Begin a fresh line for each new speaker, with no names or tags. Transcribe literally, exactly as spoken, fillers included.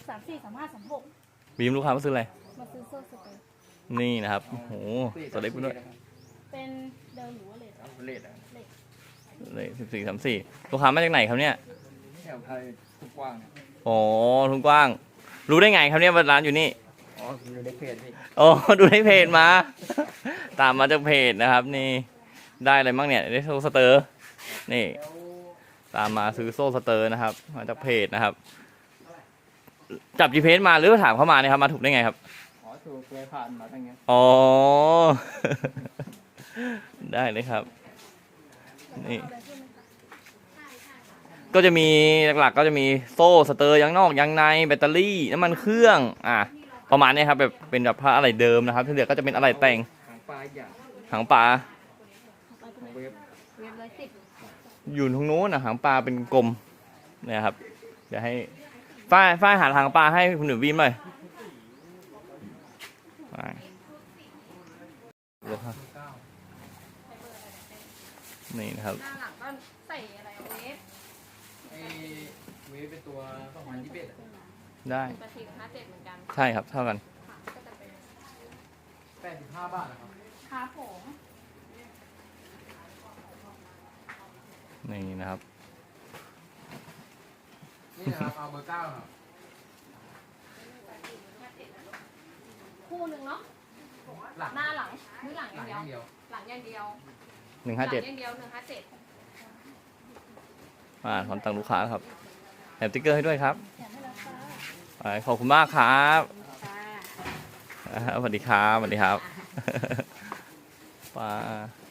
สามสี่สามห้าสามหก
บีมลูกค้ามาซื้ออะไร
มาซื้อโซ่สเปรย์
นี่นะครับโอ้โหตัวเล็กไปด้วย
เป็นเดลหรือว่าเลด
เลดอะ
เลยสิบสี่สามสี่ลูกค้ามาจากไหนครับเนี่ย
แถวไทยทุกกว้าง
โอ้ทุ่งกว้างรู้ได้ไงครับเนี่ยว่าร้านอยู่นี่
อ๋อดูในเพจพี่
โอ้ดูในเพจมา ตามมาจากเพจนะครับนี่ได้อะไรบ้างเนี่ยได้โซ่สเตอร์นี่ตามมาซื้อโซ่สเตอร์นะครับมาจากเพจนะครับจับ จี พี เอส มาหรือถามเข้ามาเนี่ยครับมาถูกได้ไงครับ
อ๋อถูกเคยผ่านมาตั้งเงี้ย
อ๋อ ได้เลยครับนี่ก็จะมีหลักๆก็จะมีโซ่สเตอร์ยางนอกยางในแบตเตอรี่น้ำมันเครื่องอ่ะประมาณนี้ครับแบบเป็นแบบผ้าอะไรเดิมนะครับที่เหลือก็จะเป็นอะไรแต่ง
หางปลาอย่าง
หางปลา
เวฟ
เวฟร้อยสิบ
อยู่ตรงโน้นนะหางปลาเป็นกลมเนี่ยครับเดี๋ยวให้ฝ้ายฝ้ายหาหางปลาให้คุณหนูวิมหน่อยนี่นะครับ
หน้าหลังก็ใส่อะไรเวฟ
ไอเวฟเป็นตัวสองพันยี่สิบเอ็ด
ได้
แปดสิบห้าเจ็ดเหมือนกัน
ใช่ครับเท่ากัน
แปดสิบห้าบาทนะครับ
ครับผม
นี่นะครับ
นี่นะครับเอาเบอร์เก้าครับ
คู่หนึ่งเนาะหน้าหลังหรือหลังอย่างเดียวหลังอย่างเดียว
หนึ่งห้าเจ็ด
อย่างเดียวหนึ่งห้าเจ็ด
อ่าถอนตังลูกค้าครับแถมติ๊กเกอร์ให้ด้วยครับขอบคุณมากครับสวัสดีครับสวัสดีครับป้า